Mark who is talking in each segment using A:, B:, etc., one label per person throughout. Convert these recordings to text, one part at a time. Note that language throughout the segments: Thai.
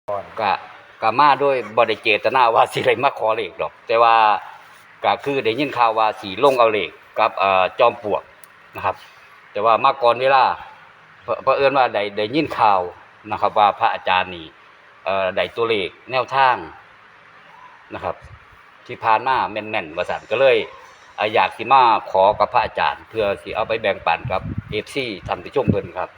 A: ก็ก็มาด้วยบ่ได้เจตนาว่าสิได้มาขอเลขดอกแต่ว่าก็คือได้ยินข่าวว่าสิลงเอาเลขกับจอมปลวกนะครับแต่ว่ามาก่อนเวลาเผอิญว่าได้ยินข่าวนะครับว่าพระอาจารย์นี่ได้ตัวเลขแนวทางนะครับที่ผ่านมาแม่นๆว่าซั่นก็เลยอยากสิมาขอกับพระอาจารย์เพื่อสิเอาไปแบ่งปันกับ FC ท่านผู้ชมเพิ่นครับ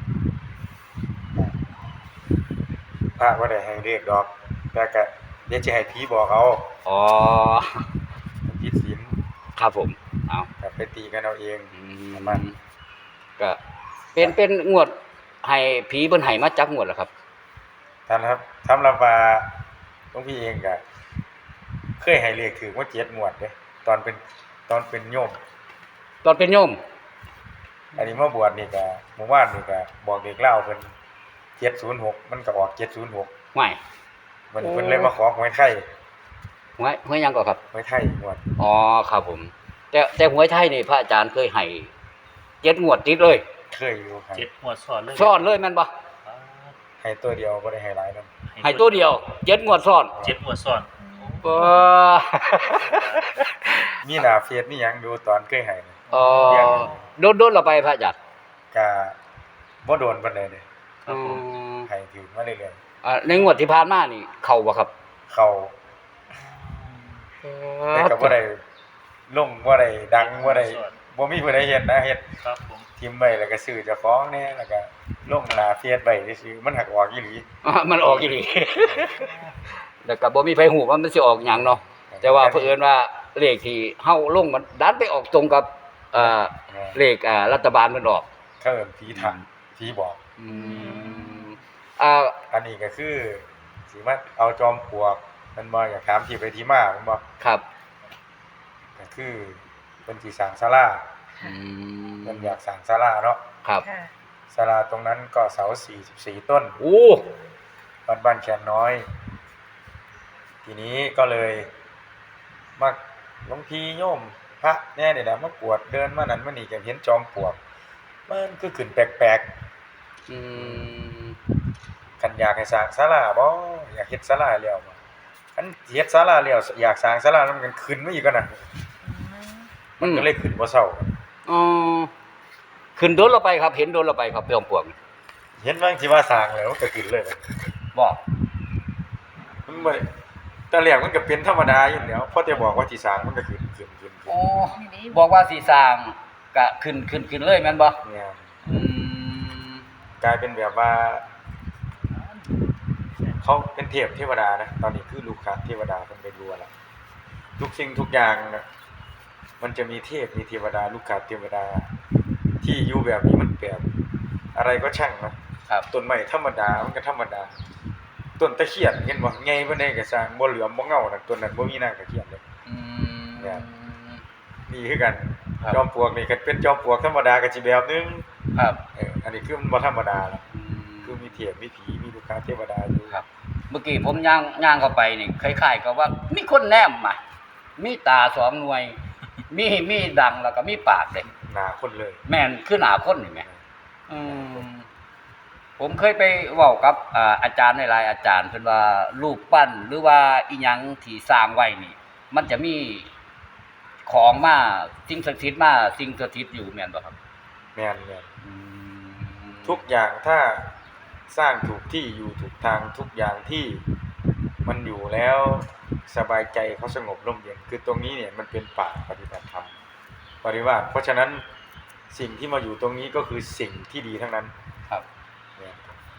B: พระบ่ได้ให้เลขดอกแต่ก็เดี๋ยวสิให้ผีบอกเอา
A: อ๋อ
B: ผิดศีล
A: ครับผมเอา
B: ก็ไปตีกันเอาเอง
A: มันก็เป็นงวดให้ผีเพิ่นให้มาจักงวดแล้วครับ
B: ท่านครับสำหรับว่าหลวงพี่เองก็เคยให้เลขถูกมา7งวดเด้ตอนเป็นโยม
A: ตอนเป็นโยม
B: อันนี้มาบวชนี่ก็เมื่อวานนี่ก็บอกเลขลาวเพิ่น706มันก็ออก706
A: ไม่
B: มันเพิ่นเลยมาขอหวยไทย
A: หวยหยังก่อนครับ
B: หวยไทยงวด
A: อ๋อครับผมแต่หวยไทยนี่พระอาจารย์เคยให้7งวดติดเลย
B: เคยอยู่ครับ
C: 7งวดซ้อน
A: เลยแม่นบ่
B: ให้ตัวเดียวบ่ได้ให้หลายนำ
A: ให้ตัวเดียว7งวดซ้อน
C: 7งวดซ้อน
B: มีหน้าเฟซมีหยังดูตอนเคยให้
A: อ๋อโดนๆแล้วไปพระอาจารย์
B: ก็บ่โดนปานใดเด้
A: อ๋อ
B: ให้ถือมาเรื่อย
A: ๆในงวดที่ผ่านมานี่เข้าบ่ครับ
B: เข้าแต่ก็บ่ได้ลงบ่ได้ดังบ่ได้บ่มีผู้ใดเฮ็ดนะเฮ็ด
C: ครับผม
B: ทิ่มไว้แล้วก็ซื้อเจ้าของแน่แล้วก็ลงหน้าเฟซไว้ซื่อๆมันหักออกอีหลี
A: มันออกอีหลีแล้วก็บ่มีไผฮู้ว่ามันสิออกหยังเนาะแต่ว่าเผอิญว่าเลขที่เฮาลงมันดันไปออกตรงกับเลขรัฐบาลมันออก
B: เขาเอิ้นผีทันผีบอกอันนี้ก็คือสิมาเอาจอมปลวกมันบ่อยากถามที่ไปที่มามันบ่
A: ครับ
B: ก็คือเพิ่นสิสร้างศาลาเพิ่นอยากสร้างศาลาเนาะ
A: ครับ
B: ศาลาตรงนั้นก็เสา44ต้น
A: โอ้
B: บ้านแคนน้อยทีนี้ก็เลยมาหลวงพี่โยมพระแน่นี่แหละมากวดเดินมานั้นมานี่ก็เห็นจอมปลวกมันคือขึ้นแปลกๆคันอยากให้สร้างศาลาบ่อยากเฮ็ดศาลาแล้วบ่คันเฮ็ดศาลาแล้วอยากสร้างศาลาแล้วมันขึ้นมาอีกกว่านั้นมันก็เลยขึ้นบ่เซา
A: อ๋อขึ้นโดนเราไปครับเห็นโดนเราไปครับจอมปลวก
B: เห็นว่าสิว่าสร้างแล้วก็ขึ้นเลย
A: บ่
B: มันบ่แต่แรกมันก็เป็นธรรมดาอยู่แล้วพอแต่บอกว่าสิสร้างมันก็ขึ้น
A: อ๋อบอกว่าสิสร้างก็ขึ้นเลยแม่นบ่
B: เนี่ยกลายเป็นแบบว่าเขาเป็นเทวดานะตอนนี้คือลูกค้าเทวดาเพิ่นไปรัวแล้วทุกสิ่งทุกอย่างมันจะมีเทพมีเทวดาลูกค้าเทวดาที่อยู่แบบนี้มันแบบอะไรก็ช่างนะครับต้นไม้ธรรมดามันก็ธรรมดาต้นตะเคียนเห็นบ่ใหญ่ปานใดก็สร้างบ่เหลือมบ่เงาน่ะต้นนั้นบ่มีนางตะเคียนเลยเนี่ยนี่คือกันจอมปลวกนี่ก็เป็นจอมปลวกธรรมดาก็สิแบบนึง
A: ครับ
B: อันนี้คือมันบ่ธรรมดาแล้วคือมีเทพมีผีมีลูกค้าเทวดาอยู่
A: ครับเมื่อกี้ผมย่างเข้าไปนี่คล้ายๆกับว่ามีคนแนมมามีตา2หน่วยมีดังแล้วก็มีปากเด้
B: หน้าคนเลย
A: แม่นคือหน้าคนนี่แหมผมเคยไปเว้ากับอาจารย์หลายๆอาจารย์เพิ่นว่ารูปปั้นหรือว่าอีหยังที่สร้างไว้นี่มันจะมีของมาสิ่งศักดิ์สิทธิ์มาสิ่งสถิตอยู่แม่นบ่ครับ
B: แม่นทุกอย่างถ้าสร้างถูกที่อยู่ถูกทางทุกอย่างที่มันอยู่แล้วสบายใจเขาสงบร่มเย็นคือตรงนี้เนี่ยมันเป็นป่าปฏิบัติธรรมปริวาสเพราะฉะนั้นสิ่งที่มาอยู่ตรงนี้ก็คือสิ่งที่ดีทั้งนั้น
A: ครับ
B: เนี่ย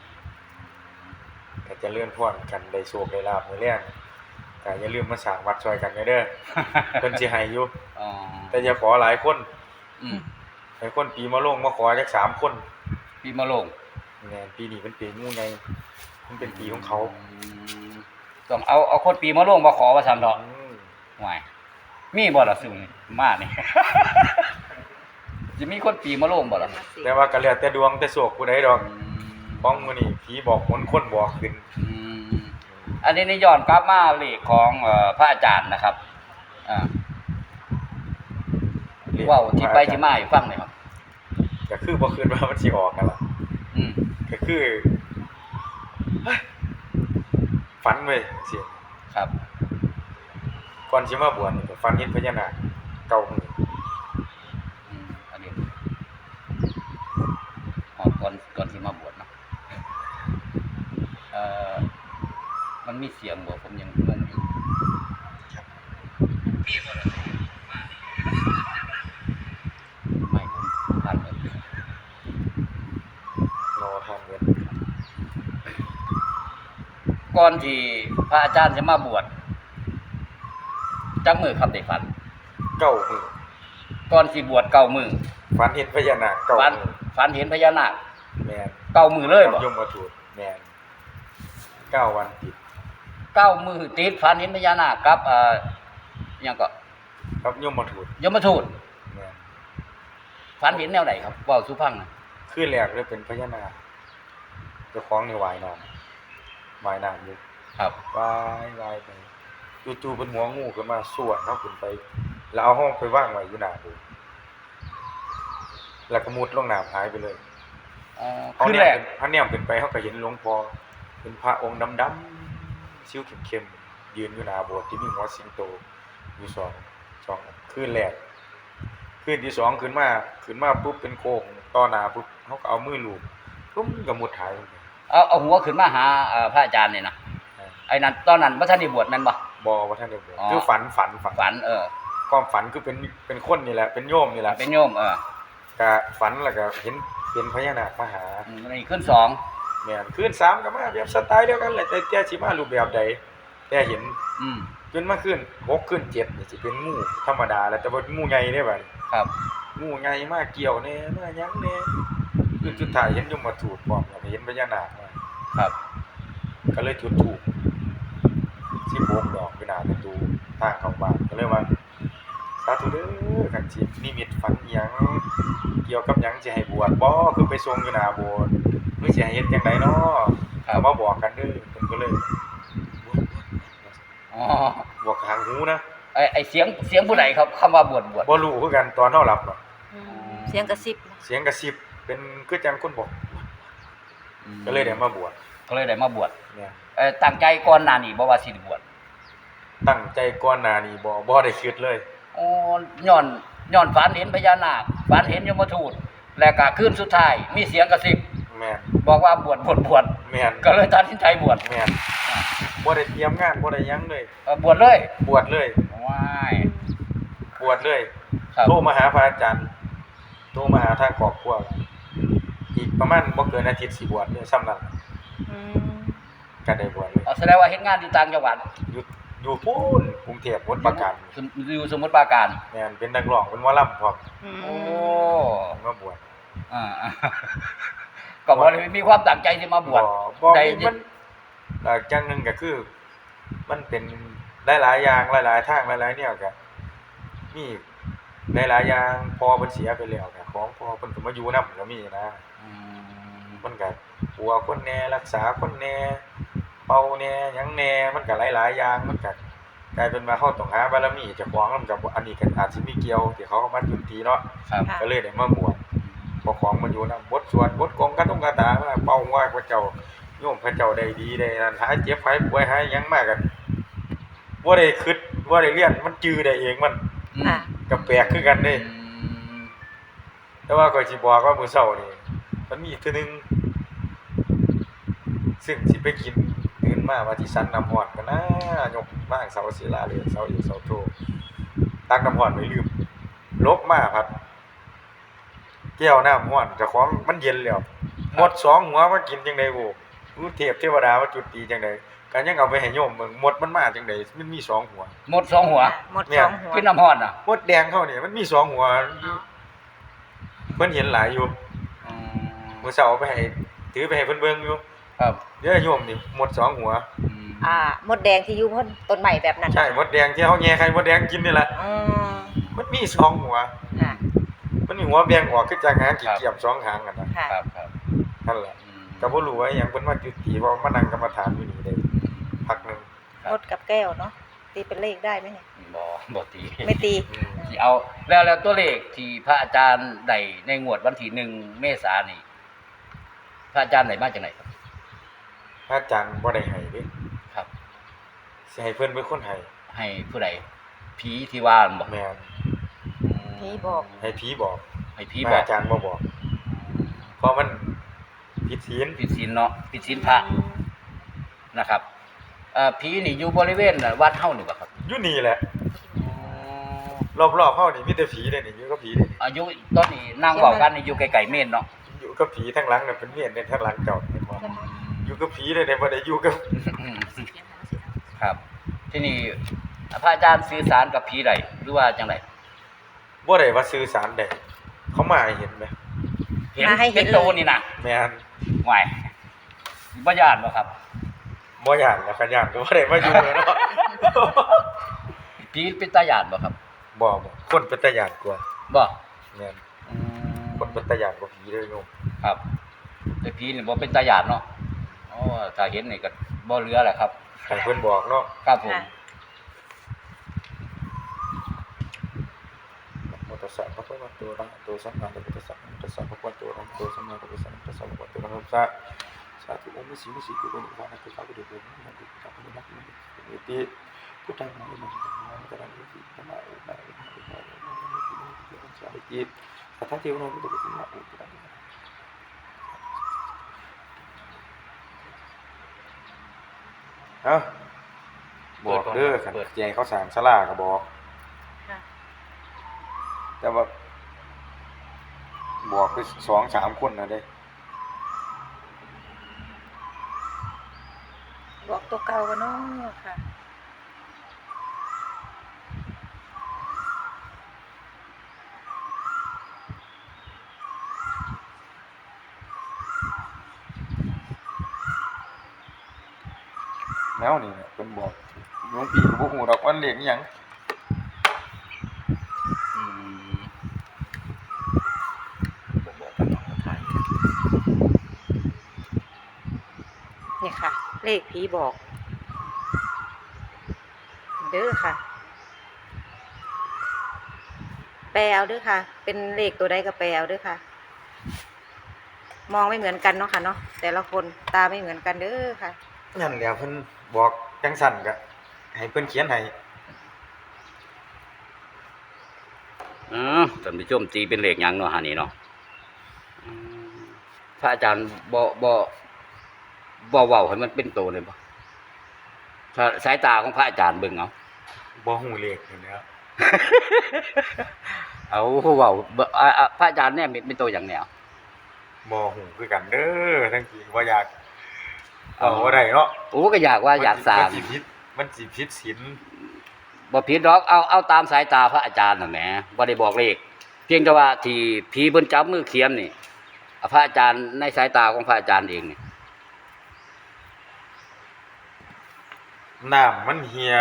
B: ก็จะเลื่อนพรกันได้โชคได้ลาภมื้อแลงก็อย่าลืมมาสร้างวัดช่วยกันเด้อเพิ่นสิให้อยู่แต่อย่าขอหลายคนให้คนปีมะโรงมาขอจัก3คน
A: ปีมะโรง
B: แม่นปีนี้เป็นปีงูใหญ่มันเป็นปีของเขา
A: ต้องเอาคนปีมะโรงมาขอว่าซั่นดอกห่วยมีบ่ล่ะซุมานี่สิมีคนปีมะโรงบ่ล่ะ
B: แต่ว่าก็แล้วแต่ดวงแต่โชคผู้ใดดอกของมื้อนี้ผีบอกคนบอกขึ้น
A: อันนี้ย้อนกลับมาเลขของพระอาจารย์นะครับเว้าที่ไปที่มาให้ฟังหน่อยครับ
B: ก็คือบ่คิดว่ามันสิออกนั่นล่ะก็คือฝันเว้ยเสีย
A: ครับ
B: ก่อนสิมาบวชนี่ก็ฝันเห็นพญานาคเก่ามือ
A: อันนี้ก่อนที่มาบวชเนาะเอ่อมันมีเสียงบ่ผมยังงงอยู่ไม่ผมผ่านเลย
B: รอทานเงิน
A: ก่อนที่พระอาจารย์จะมาบวชจักมือครับได้ฝัน
B: เก่ามือ
A: ก่อนสิบวชเก้ามือ
B: ฝันเห็นพญานาคเก่า
A: ฝัน
B: มือ
A: ฝันเห็นพญานาค
B: แม่น
A: เก้ามือเลยบ่
B: ยมมาถูกแม่น9 วันติด
A: เก้ามือติดฝันเห็นพญานาคกับหยังก็
B: ครับยมมาถูก
A: ยมทูต
B: แม่น
A: ฝันเห็นแนวไหนครับเว้าสู่ฟังหน่อย
B: คืนแรกเลยเป็นพญานาคเจ้าของนี่ว่ายน้ำอยู่
A: ครับ
B: ว่ายไปจู่ๆเป็นหัวงูขึ้นมาสวนเฮาขึ้นไป แล้วเอาห้องไปวางไว้อยู่หน้าโบสถ์แล้วก็มุดลงน้ำหายไปเลย
A: อ๋อ
B: เขา
A: คือ
B: เนี่ย
A: แรก
B: เขาเนี่ยขึ้นไปเขาก็เห็นหลวงพ่อเป็นพระองค์ดำๆชิ้วเข้มๆยืนอยู่หน้าโบสถ์ที่มีหัวสิงโตอยู่สองคืนแรกคืนที่สองขึ้นมาปุ๊บเป็นโค้งต่อหน้าปุ๊บเขาก็เอามือลูบปุ๊บก็มุดหายไป
A: เอาหัวขึ้นมาหาพระอาจารย์นี่นะไอ้นั้นตอนนั้นบ่ทันได้บวชแม่นบ่
B: บ่ว่าท่านได้บวช
A: อ๋อ
B: คือฝัน
A: ฝัน
B: ความฝันคือเป็นคนนี่แหละเป็นโยมนี่แหละ
A: เป็นโยม
B: ก็ฝันแล้วก็เห็นเป็นพญานาคมาหา
A: นี่ขึ้นสอง
B: แม่นคืน3ก็มาแบบสไตล์เดียวกันแหละแต่สิมารูปแบบใดแต่เห็น
A: อืม
B: จนมาคืน6คืน7นี่สิเป็นงูธรรมดาแล้วแต่ว่างูใหญ่เด้บัด
A: ครับ
B: งูใหญ่มาเกี่ยวแน่มาหยังแน่คือสุดท้ายเห็นยมทูตพร้อมแล้วก็เห็นพญานาคมา
A: ครับ
B: ก็เลยจุดธูป16ดอกอยู่หน้าประตูทางเข้าบ้านก็เลยว่าสาธุเด้อคันสินิมิตฝันอิหยังเกี่ยวกับหยังสิให้บวชบ่คือไปทรงอยู่หน้าโบสถ์หรือสิให้เฮ็ดจังไดเนาะ
A: ครับ
B: เอามาบอกกันเด้อเพิ่นก็เลยบวช
A: อ๋อ
B: บอกทางหูนะ
A: ไอ้เสียงผู้ใดครับคำว่าบวช
B: บ่รู้คือกันตอนเฮาหลับเนาะ
C: เสียงกระซิบ
B: เสียงกระซิบเป็นคือจังคนบอกก็เลยได้มาบวช
A: ก็เลยได้มาบวช
B: เนี่ย
A: ตั้งใจก่อนหน้านี้บ่ว่าสิได้บวช
B: ตั้งใจก่อนหน้านี้บ่ได้คิดเลย
A: อ๋อย้อนฝันเห็นพญานาคฝันเห็นยมทูตแล้วก็คืนสุดท้ายมีเสียงกระซิบ
B: แม่น
A: บอกว่าบวช
B: แม่น
A: ก็เลยตัดสินใจบวช
B: แม่นบ่ได้เตรียมงานบ่ได้หยังเลย
A: บวชเลย
B: บวชเลย
A: ว้าย
B: บวชเลย
A: ครับ
B: โทรมาหาพระอาจารย์โทรมาหาทางครอบครัวอีกประมาณบ่เกินอาทิตย์สิบวชเนี่ยซ้ำนั้น
C: อืม
B: ก็ได้บวชเลย
A: แสดงว่าเฮ็ดงานอยู่ต่างจังหวัด
B: อยู่พูนกรุงเทพวัดประการ
A: อยู่สมุทรปราการ
B: แม่นเป็นนักร้องเป็นหมอลำพร้อม
A: โอ้
B: มาบวช
A: อ่า ก็บ่ได้มีความตั้งใจสิมาบวช
B: บ่
A: ได้
B: มันจังหนึงก็คือ มันเป็นหลายๆอย่างหลายๆทางหลายๆแนวก็มีหลายๆอย่างพอเพิ่นเสียไปแล้วก็ของพอเพิ่นก็มาอยู่นำก็มีนะ
A: อืม
B: มันก็ปัวคนแหน่รักษาคนแหน่เป่าแหน่หยังแหน่มันก็หลายๆอย่างมันก็กลายเป็นว่าเฮาต้องหาบารมีเจ้าของนำกับอันนี้ก็อาจสิมีเกี่ยวที่เขาเอามาจุติเนาะ
A: ครับ
B: ก็เลยได้มาบวชพอของมันอยู่นำบทสวดบทกงกันต้องกาตามาเป่าว่าพระเจ้าโยมพระเจ้าได้ดีได้นั่นหายเจ็บหายป่วยหายหยังมากันบ่ได้คิดบ่ได้เรียนมันจื้อได้เองมัน
C: ค่ะ
B: ก็แปลกคือกันเด้ แต่ว่าก็สิบอกว่ามื้อเช้านี่มันมีอีกเทื่อนึงซึ่งสิไปกินตื่นมาว่าสิสั่นน้ำร้อนกันนะยกมางเสาศิลาเลยเสาอยู่เสาโทตักน้ำร้อนไว้ลืมลบมาพัดแก้วน้ำร้อนเจ้าของมันเย็นแล้วหมด2หัวมากินจังได๋โอ้รู้เทพเทวดามาจุติจังได๋ก็ยังเอาไปให้โยมเบิ่งหมดมันมาจังได๋มันมี2หัว
A: หมด2หัว
C: หมดสองหัว
A: ขึ้นน้ำฮ้อนน่ะ
B: หมดแดงเขานี่มันมี2หัวเพิ่นเห็นหลายอยู่
A: อืม
B: มื้อเช้าเอาไปให้ถือไปให้เพิ่นเบิ่งอยู่
A: ครับ
B: เดี๋ยวโยมนี่หมด2หัว
C: มดแดงที่อยู่พ้นต้นใหม่แบบนั้น
B: ใช่มดแดงที่เฮาแย่ไข่มดแดงกินนี่แหละ
C: อืม
B: มันมี2หัว
C: ค่ะ
B: มันมีหัวแบ่งออกคือจังหางกี่เกียบ2หางกันนะ
C: ค่ะ
A: ครับ
B: นั่นแหละก็บ่รู้ว่าหยังเพิ่นมาจุติว่ามานั่งกรรมฐานอยู่นี่ได้พักหนึง
C: มดกับแก้วเนาะตีเป็นเลขได้ไหมเนี่ย
A: บ่ตี
C: ไม่ตี
A: สิเอาแล้วตัวเลขที่พระอาจารย์ได้ในงวดวันที่1เมษายนนี่พระอาจารย์ได้มาจากไหนครับ
B: พระอาจารย์บ่ได้ให้เด้
A: ครับ
B: สิให้เพิ่นเป็นคนให้
A: ให้ผู้ใดผีที่ว่าบ่
B: แม่น
C: ผีบอก
B: ให้ผีบอก
A: ให้ผีบอก
B: อาจารย์บ่บอก เพราะมันผิดศีล
A: ผิดศีลเนาะผิดศีลพระนะครับผีนี่อยู่บริเวณวัดเฮานี่บ่ครับ
B: อยู่นี่แหละรอบๆเฮานี่มีแต่ผีเด้นี่อยู่กับผีเด้นี่
A: อายุตอนนี้นั่งเว้ากันนี่อยู่ไกลๆเมนเนาะ
B: อยู่กับผีทั้งหลังน่ะเป็นเมียนเนี่ยทั้งหลังเจ้าเห็นบ่อยู่กับผีเลยเนี่ยบ่ได้อยู่กับ
A: ครับ ที่นี่พระอาจารย์สื่อสารกับผีใดหรือว่าจังได
B: บ่ได้ว่าสื่อสารได้เขามาให้เห็นไหม
C: มาให้เห็น
A: โตนี่นะ
B: แม่น
A: ห่วยบ่ย่านบ่ครับ
B: บ่ย่านแล้วคันย่านก็บ่ได้มาอยู่แล้วเนาะ
A: ผีเป็นตาย่านบ่ครับ
B: บ่คนเป็นตาย่านกว่า
A: บ่
B: แม่น
A: อืม
B: คนเป็นตาย่านกว่าผีเลยโยม
A: ครับแต่ผีนี่บ่เป็นตาย่านเนาะอ๋อถ้าเห็นนี่ก็บ่เหลือแหละครับ
B: ให้เพิ่นบอกเนาะ
A: ครับผม
C: ค่ะ
B: นะโมตัสสะภะคะวะโตอะระหะโตสัมมาสัมพุทธัสสะนะโมตัสสะภะคะวะโตอะระหะโตสัมมาสัมพุทธัสสะนะโมตัสสะภะคะวะโตอะระหะโตสัมมาสัมพุทธัสสะสาธุโอมิสิมิสิกุโกนิวานะตุสาธุเดโกนะนะตุสาธุนะนะติพุทธังนะนะนะตะระนิตินะนะนะสาธุจิตสัทธะเทวนาพุทธกุตินะอุปะบอกเด้อคันแจงเขาสร้างศาลาก็บอก
C: ค่ะ
B: แต่ว่าบอกไป2-3 คนนะเด้
C: บอกตัวเก่ากันเนาะค่ะ
B: แล้วนี่เนี่ยเพิ่นบอกหลวงพี่ก็บ่ฮู้ดอกว่าเลขอิหยัง
A: อืมบ่บอกกันเนาะไทย
C: นี่ค่ะ เลขผีบอก เด้อค่ะ แปลเอาเด้อค่ะ เป็นเลขตัวใดก็แปลเอาเด้อค่ะ มองไม่เหมือนกันเนาะค่ะเนาะแต่ละคนตาไม่เหมือนกันเด้อค่ะ
B: นั่นแหละเพิ่นบอกจังซั่นก็ให้เพิ่นเขียนให้
A: ท่านผู้ชมตีเป็นเลขหยังเนาะหานี่เนาะพระอาจารย์บ่เว้าให้มันเป็นโตเลยบ่ถ้าสายตาของพระอาจารย์เบิ่งเอา
B: บ่ฮู้เลขนี่แหล้ว
A: เอาเว้าพระอาจารย์เนี่ยเป็นโตอย่างแนว
B: บ่ฮู้คือกันเด้อทั้งที่บ่อยากเอาบ่ได้เนาะ
A: โอ้ก็อยากว่าอยากสร้าง
B: มันสิผิดศีล
A: บ่ผิดดอกเอาตามสายตาพระอาจารย์น่ะแหมบ่ได้บอกเลขเพียงแต่ว่าที่ผีเพิ่นจับมือเขียมนี่พระอาจารย์ในสายตาของพระอาจารย์เองนี่
B: น้ำมันเหี่ย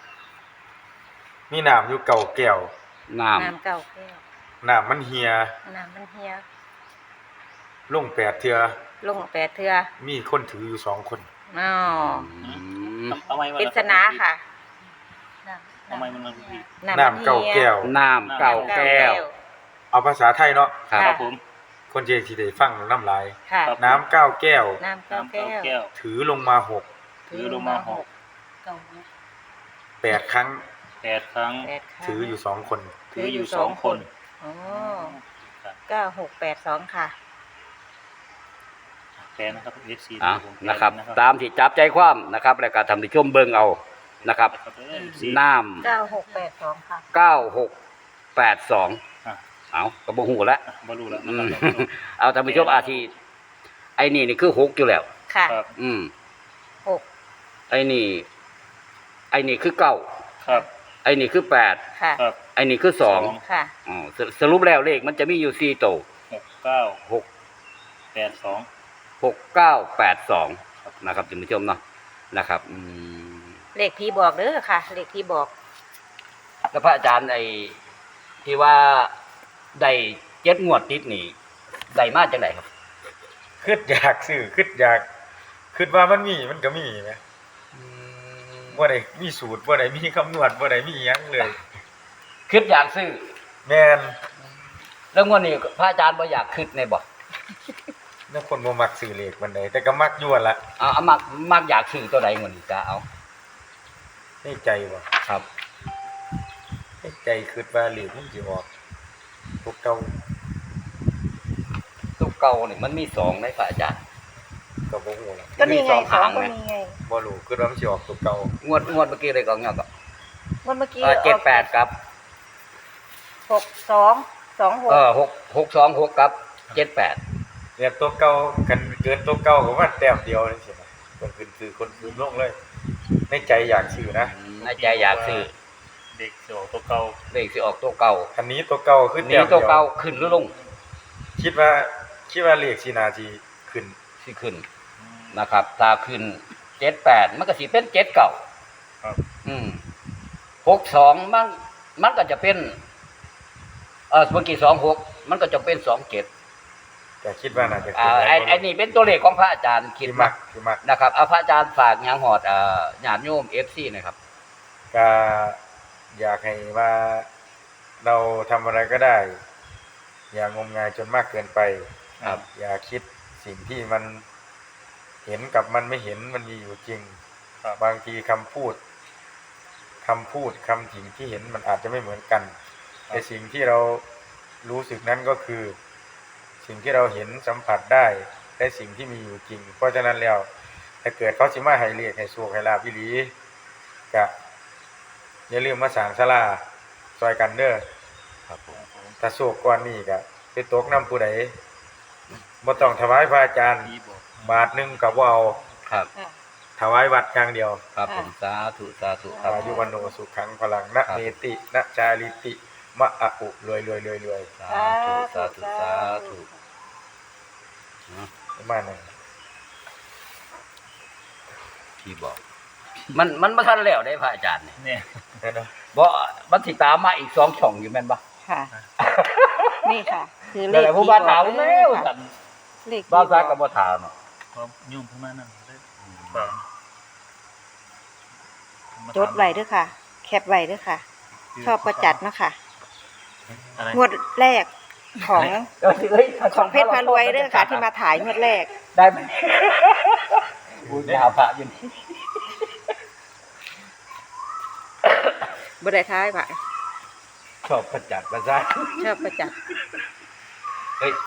B: มีน้ำอยู่เก่าแก้ว
A: น้ำ
C: น้ำเก่าแก้ว
B: น้ำมันเหี่ย
C: น้ำมันเฮีย
B: ลง8เทื่อ
C: ลง8เทื่อ
B: มีคนถืออยู่2 คน
C: อ้าว
D: ทำไมมัน
C: ปริศนาค่ะ
D: ทำไมมันผิด
B: น้ำเก่าแก้ว
A: น้ำเก่าแก้ว
B: เอาภาษาไทยเนาะ
A: ครับ
D: ครับผม
B: คนเจที่ได้ฟังน้ำลาย
C: ค่ะ
D: ครับ
B: น้ำ9แก้ว
C: น้ำเก่า
D: น้ำ
C: แก้
D: เก้าว แก้ว
B: ถือลงมา6
D: ถือลงมาหก
B: 8ครั้ง
D: 8 ครั้ง
C: 8ครั้ง
B: ถืออยู่2 คน
D: ถืออยู่2 คน
C: อ๋อ
D: ครับ
C: 9682ค่ะ
D: แปลนะครับ FC
A: นะครับ ตามที่จับใจความนะครับ แล้วก็ทำที่ชมเบิ่งเอานะครับ น้
C: 9682ค่ะ
A: ำ9682เอาก็บ่ฮู้แล้ว
D: บ่รู้แล้ว
A: อื
D: นะ
A: ม
D: ครับ
A: เอาท่านผู้ชมอาทีไอ้นี่คือ6อยู่แล้ว
C: ค่ะ
D: ครับ
A: อืม
C: 6
A: ไอ้นี่คือ9
D: ครับ
A: ไอ้นี่คือ8
C: ค่ะ
D: ครับ
A: ไอ้นี่คือ2
C: ค่ะ
A: อ๋อสรุปแล้วเลขมันจะมีอยู่4โตว
D: 6 9
A: 6
D: 8 2
A: 6982นะครับท่านผู้ชมเนาะนะครับ
C: เลขผีบอกเด้อค่ะ เลขผีบอก
A: แล้วพระอาจารย์ไอ้ที่ว่าได้7งวดติดนี่ได้มาจังได๋ครับ
B: คิดอยากซื้อคิดว่ามันมีมันก็มีแหมบ่ได้มีสูตรบ่ได้มีคำนวณบ่ได้มีหยังเลย
A: คิดอยากซื้อ
B: แม่น
A: แล้วงวดนี้พระอาจารย์บ่อยากคิดในบ่
B: นักคนบ่มักซื้อเลขปานใดแต่ก็มักอยู่หั่นล่ะ
A: เอามักอยากซื้อตัวใดงวดนี้จ้าเอา
B: ในใจบ่
A: ครับ
B: ในใจคิดว่าเลขมันสิออกตัวเก่า
A: ตัวเก่านี่มันมีสองในพระอาจารย์
B: ก็บ่ฮู้ล่ะ
C: ก็นี่ไง
A: มีสอง
C: สอ
A: หาง ง
C: ก็
A: ไหม
C: มีไง
B: บ่รู้คิดว่ามันสิออกตัวเก่าง
A: วดเมื่อกี้เลยก็เงี้ยก็
C: วันเมื่อกี้
A: 78ครับ
C: 6226
A: 626ครับ78
B: เนี่ยตัวเก่ากันเกินตัวเก่าก็ว่าแต้มเดียวนี่สินะคนอื่นซื้อคนอื่นลงเลย ในใจอยากซื้อนะ
A: ในใจอยากซื้อ
D: เด็กสิออกตัวเก่า
A: เลขสิออกตัวเก่า
B: อันนี้ตัวเก่าขึ้น
A: หนี้
B: แต้ม
A: ตัว
B: เดียว
A: เก่าขึ้นหรือลง
B: คิดว่าเลขสินาทีขึ้น
A: สิขึ้นนะครับ ถ้าขึ้น78มันก็สิเป็น7เก่า
D: ครับ
A: 62มันก็จะเป็นเมื่อกี้26มันก็จะเป็น27
B: แต่คิดว่าน่าจะ
A: ไอ้นี่เป็นตัวเลขของพระอาจารย์คิด
B: ที่
A: มา
B: มัก
A: นะครับเอาพระอาจารย์ฝากหยังหอดญาติโยม FC หน่อยครับ
B: ก็อยากให้ว่าเราทำอะไรก็ได้ อย่างมงายจนมากเกินไป
A: ครับ
B: อย่าคิดสิ่งที่มันเห็นกับมันไม่เห็นมันมีอยู่จริง
D: ครับ
B: บางทีคำพูดคำสิ่งที่เห็นมันอาจจะไม่เหมือนกัน แต่สิ่งที่เรารู้สึกนั้นก็คือ สิ่งที่เราเห็นสัมผัสได้และสิ่งที่มีอยู่จริง เพราะฉะนั้นแล้วถ้าเกิดเขาสิมาให้เรียกให้โชคให้ลาภอีหลีก็อย่าลืมมาสร้างศาลาซอยกันเด้อ
A: ครับผม
B: ถ้าโชคก่อนนี้ก็ไปตกน้ำผู้ใดบ่ต้องถวายพระอาจารย์
D: พี่บอก
B: บาทหนึงก็บ่เอา
A: ครับ
B: ถวายวัดอย่างเดียว
A: ครับผมสาธุครับ
B: อายุวันโนสุขังพลังนะเมตินะจาริติมะอะอุรวย
A: สาธุ
B: ประมาณนั้น
A: ที่บอก มันบ่ทันแล้วได้พระอาจารย์นี่
D: เนี่ย
B: เนาะ
A: บ่มันสิตามมาอีก2ช่องอยู่แม่นบ่
C: ค่ะ นี่ค่ะ คือเล
A: นั่น
C: ข
A: แหละผู้
C: ที่
A: บ้าน
C: บ
A: ถา
C: อ
A: ม
C: ก
A: แล้ว
C: ค่ะ
A: กัน
C: เลขที่
A: บ้าน
C: บ
A: ซั
C: อก
A: ก็บ่ถามเนาะ
D: เพราะยุ่งประมาณนั้นได้ฝาก
C: จดไว้ด้วยค่ะ แคปไว้ด้วยค่ะ ชอบก็จัดเนาะค่ะ
D: อะไร
C: งวดแรกของ
A: เอ้ย
C: ของเพชรพารวยด้วยค่ะ ที่มาถ่ายงวดแรก
A: ได้ไหมบูชาพระอยู่นี่
C: บ่ได้ท้ายค่ะ
A: ชอบประจัดประสาท
C: ชอบก็จัด
A: เฮ้ย